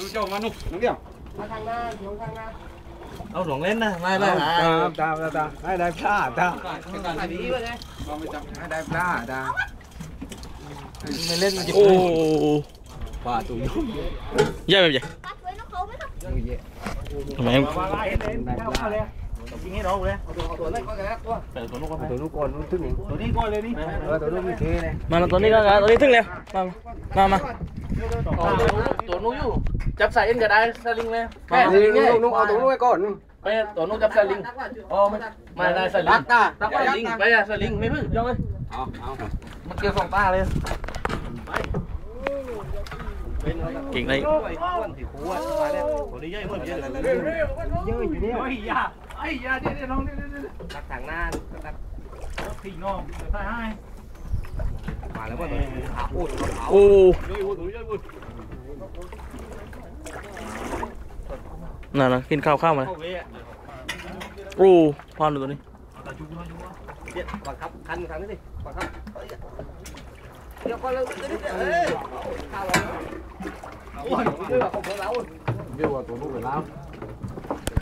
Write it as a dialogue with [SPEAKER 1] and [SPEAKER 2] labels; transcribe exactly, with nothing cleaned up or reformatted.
[SPEAKER 1] ดูเจ้ามาหนุ่มน้องเดียวมาทางหน้าเดี๋ยวทางหน้า
[SPEAKER 2] เอาหลงเล่นนะไม่ได้ตามตามตามให้ได้พลาดตามไม่ดีวะเนี่ยเราไม่จำให้ได้พลาดตามไม่เล่นโอ้ปลาตัวยุ่งเยอะไปเลยทำไมยิงให้เราเลยตัวนี้ก็แล้วตัวตัวนู้นตัวนู้นก่อนนู้นทึ่งตัวนี้ก่อนเลยนี่เออตัวนู้นมีเทเลยมาตัวนี้ก็ตัวนี้ทึ่งเลยมามามาตัวนู้นอยู่จับใส่เอ็นก็ได้สลิงเลยแค่สลิงเนี่ยนู้นเอาตัวนู้นไว้ก่อนไปตัวนู้นจับสลิงอ๋อไม่ไม่ได้สลิงตาตาสลิงไปอะสลิงไม่พึ่งย่องเลยเอาเอามันเกี่ยวสองตาเลยเก่งเลยตัวนี้เยอะเหมือนเยอะเลยเยอะอยู่เนี่ยไอ้ยาไอ้ยาเดี๋ยวน้องเดี๋ยวเดี๋ยวตักถังหน้าตักทิ้งน้องใส่ให้มาแล้วว่าตัวนี้ขาอุดโอ้น่ะนะกินข้าวข้าวมาโอ้พอนตัวนี้เดี๋ยวบังคับคันคันนี่สิบังคับเดี๋ยวก่อนเลยเอ้ยข้าวเราโอ้ยเยอะกว่าของเราเยอะกว่าตัวนู้นเลยแล้ว